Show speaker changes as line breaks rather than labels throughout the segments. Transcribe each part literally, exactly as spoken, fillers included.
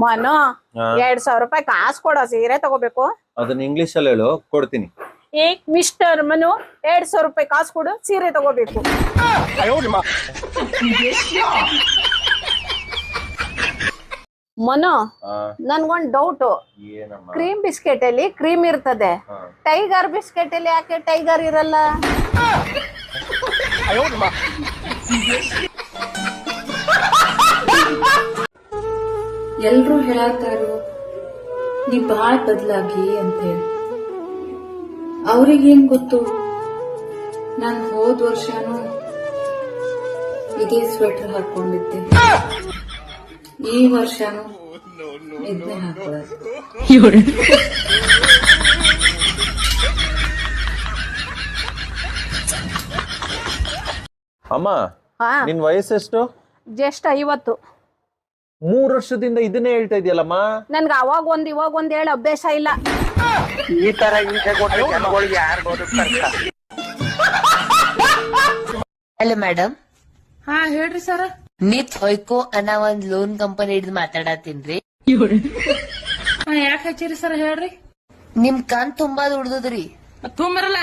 ಮನು ಎರಡ್ ಸಾವಿರ ರೂಪಾಯಿ ಕಾಸು ಕೊಡೋ ಸೀರೆ ತಗೋಬೇಕು.
ಅದನ್ನ ಇಂಗ್ಲಿಷ್ ಅಲ್ಲಿ ಹೇಳು, ಕೊಡ್ತೀನಿ.
ಏ ಮಿಸ್ಟರ್ ಮನು, ಎರಡ್ ಸಾವಿರ ರೂಪಾಯಿ ಕಾಸು ಕೊಡು, ಸೀರೆ ತಗೋಬೇಕು. ಮನು, ನನ್ಗೊಂದ್ ಡೌಟ್. ಕ್ರೀಮ್ ಬಿಸ್ಕೆಟ್ ಅಲ್ಲಿ ಕ್ರೀಮ್ ಇರ್ತದೆ, ಟೈಗರ್ ಬಿಸ್ಕೆಟ್ ಅಲ್ಲಿ ಯಾಕೆ ಟೈಗರ್ ಇರಲ್ಲ?
ಎಲ್ರು ಹೇಳತ್ತಾರು ನೀ ಬಾಳ್ ಬದ್ಲಾಗಿ ಅಂತೇಳಿ. ಅವ್ರಿಗೇನ್ ಗೊತ್ತು, ನಾನ್ ಹೋದ್ ವರ್ಷನೂ ಇದೇ ಸ್ವೆಟರ್ ಹಾಕೊಂಡಿದ್ದೆ, ಈ ವರ್ಷನೂ ಇದನ್ನೇ ಹಾಕೊಳ್ಳೋದು.
ಅಮ್ಮ, ನಿನ್ ವಯಸ್ಸೆಷ್ಟು?
ಜಸ್ಟ್ ಐವತ್ತು.
ಮೂರ್ ವರ್ಷದಿಂದ ಇದನ್ನೇ ಹೇಳ್ತಾ ಇದೆಯಲ್ಲಮ್ಮ.
ನನ್ಗ ಅವಾಗ ಒಂದ್ ಇವಾಗ ಒಂದ್ ಹೇಳಿ ಅಭ್ಯಾಸ ಇಲ್ಲ.
ಈ ತರ ಹಿಂಸೆ ಕೊಟ್ಟರೆ ಜನಗಳಿಗೆ ಯಾರು ಬದುಕ್ತಾರ?
Hello madam.
ಹಾ ಹೇಳ್ರಿ ಸರ್.
ನಿತ್ ಹೊಯ್ಕೋ ಅನ್ನೋ ಒಂದ್ ಲೋನ್ ಕಂಪನಿ ಹಿಡಿದು ಮಾತಾಡತ್ತೀನ್ರಿ.
ಯಾಕೆ ಹಚ್ಚಿರಿ ಸರ್ ಹೇಳ್ರಿ.
ನಿಮ್ ಕಣ್ ತುಂಬಾ ದುಡ್ದದ್ರಿ.
ತುಂಬರಲ್ಲ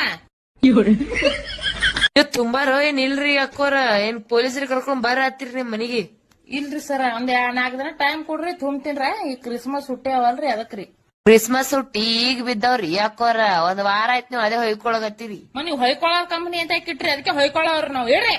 ತುಂಬಾರೋ ಏನ್ ಇಲ್ರಿ ಅಕ್ಕೋರ, ಏನ್ ಪೊಲೀಸರಿಗೆ ಕರ್ಕೊಂಡ್ ಬರ ಹತ್ತಿರಿ ನಿಮ್ ಮನಿಗೆ?
ಇಲ್ರಿ ಸರ್, ಒಂದ್ ನಾಲ್ಕು ದಿನ ಟೈಮ್ ಕೊಡ್ರಿ, ತುಂಬ್ತೀನ್ರ. ಈ ಕ್ರಿಸ್ಮಸ್ ಹುಟ್ಟಿ ಅವಲ್ರಿ, ಅದಕ್ರಿ.
ಕ್ರಿಸ್ಮಸ್ ಹುಟ್ಟಿ ಈಗ ಬಿದ್ದಾವ್ರಿ ಅಕ್ಕೋರ. ಒಂದ್ ವಾರ ಆಯ್ತು ನೀವು ಅದೇ ಹೊಯ್ಕೊಳಗತ್ತೀರಿ.
ನೀವು ಹೊಯ್ಕೊಳ್ಳೋ ಕಂಪನಿ ಅಂತ ಇಟ್ರಿ, ಅದಕ್ಕೆ ಹೊಯ್ಕೊಳ್ಳೋರು ನಾವ್ ಹೇಳ್ರಿ.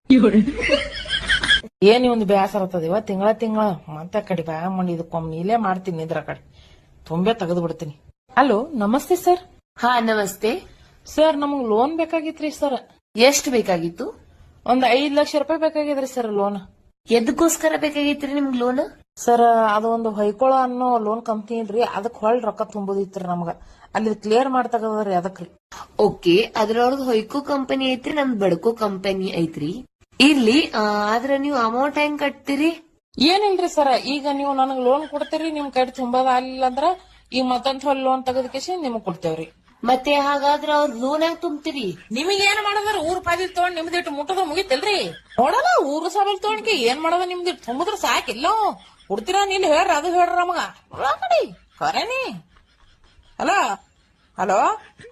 ಏನ್ ಒಂದು ಬೇಸರ ಆಗ್ತದ ಇವ ತಿಂಗಳ ತಿಂಗಳ ಮತ್ತೆ ಕಡೆ ಬ್ಯಾ ಮಾಡಿ ಇದಕ್ಕೊಮ್ಮೆ ಇಲ್ಲೇ ಮಾಡ್ತೀನಿ, ಇದ್ರ ಕಡೆ ತುಂಬೆ ತೆಗೆದು ಬಿಡ್ತೀನಿ. ಹಲೋ ನಮಸ್ತೆ ಸರ್.
ಹಾ ನಮಸ್ತೆ
ಸರ್, ನಮಗ್ ಲೋನ್ ಬೇಕಾಗಿತ್ರಿ ಸರ್.
ಎಷ್ಟ್ ಬೇಕಾಗಿತ್ತು?
ಒಂದ್ ಐದ್ ಲಕ್ಷ ರೂಪಾಯಿ ಬೇಕಾಗಿದ್ರಿ ಸರ್ ಲೋನ್.
ಎದಕ್ಕೋಸ್ಕರ ಬೇಕಾಗಿತ್ರಿ ನಿಮ್ಗ್ ಲೋನ್?
ಸರ್, ಅದು ಒಂದು ಹೊಯ್ಕೊಳ ಅನ್ನೋ ಲೋನ್ ಕಂಪ್ನಿ ಇಲ್ರಿ, ಅದಕ್ ಹೊಳ್ ರೊಕ್ಕ ತುಂಬುದಿತ್ರಿ ನಮಗ. ಅಲ್ಲಿ ಕ್ಲಿಯರ್ ಮಾಡ್ತಗದ್ರಿ, ಅದಕ್ರಿ.
ಓಕೆ, ಅದ್ರೊಳಗ ಹೊಯ್ಕೋ ಕಂಪನಿ ಐತ್ರಿ, ನಮ್ದ್ ಬಡ್ಕೋ ಕಂಪನಿ ಐತ್ರಿ. ಇರ್ಲಿ, ಆದ್ರ ನೀವು ಅಮೌಂಟ್ ಹೆಂಗ್ ಕಟ್ತೀರಿ?
ಏನಿಲ್ರಿ ಸರ್, ಈಗ ನೀವು ನನಗ್ ಲೋನ್ ಕೊಡ್ತೀರಿ, ನಿಮ್ ಕೈ ತುಂಬದ ಆಗ್ಲಿಲ್ಲ ಅಂದ್ರ ಈಗ ಮತ್ತೊಂದ್ ಹೊಲ್ ಲೋನ್ ತೆಗೆದಕೇಸಿ ನಿಮಗ್ ಕೊಡ್ತೇವ್ರಿ.
ಮತ್ತೆ ಹಾಗಾದ್ರ ಅವ್ರ ಲೋನ್ ಹೆಂಗ್ ತುಂಬ್ತೀರಿ?
ನಿಮಗ್ ಏನ್ ಮಾಡದ್ರ, ಊರ್ ಪಾದಿಲ್ ತಗೊಂಡ್ ನಿಮ್ದಿಟ್ಟು ಮುಟ್ಟದ ಮುಗಿತಲ್ರಿ. ನೋಡಲ್ಲ ಊರ್ ಸಾಬಲ್ ತಗೊಂಡ್ಕಿ ಏನ್ ಮಾಡದ, ನಿಮ್ದಿಟ್ಟು ತುಂಬುದ್ರ ಸಾಕಿಲ್ಲ. ಕೊಡ್ತೀರಾ ನೀನ್ ಹೇಳ್ರಿ, ಅದು ಹೇಳ್ರಿ ನಮಗ. ನೋಡಿ ಕರೇನಿ. ಹಲೋ ಹಲೋ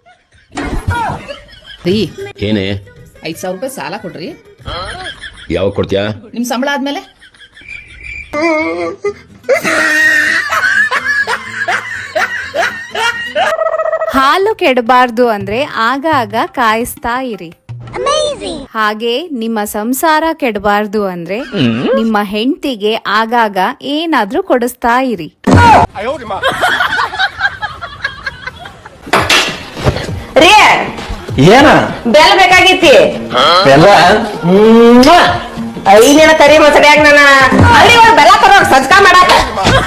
ರೀ,
ಏನೇ?
ಐದ್ ಸಾವಿರ ರೂಪಾಯಿ ಸಾಲ ಕೊಡ್ರಿ.
ಯಾವಾಗ ಕೊಡ್ತೀಯಾ?
ನಿಮ್ ಸಂಬಳ ಆದ್ಮೇಲೆ.
ಹಾಲು ಕೆಡಬಾರ್ದು ಅಂದ್ರೆ ಆಗಾಗ ಕಾಯಿಸ್ತಾ ಇರಿ. ಹಾಗೆ ನಿಮ್ಮ ಸಂಸಾರ ಕೆಡಬಾರ್ದು ಅಂದ್ರೆ ನಿಮ್ಮ ಹೆಂಡತಿಗೆ ಆಗಾಗ ಏನಾದ್ರೂ ಕೊಡಿಸ್ತಾ ಇರಿ.
ಏನ
ಬೆಲ್ಲ ಬೇಕಾಗಿತ್ತಿ.
ಬೆಲ್ಲ
ಐದಿನ ಕರಿ ಮೊಸಡಿಯಾಗ ನನ್ನ ಅಲ್ಲಿ ಬೆಲ್ಲ ತರೋ ಸಜ್ಕಾ ಮಾಡಾಕ.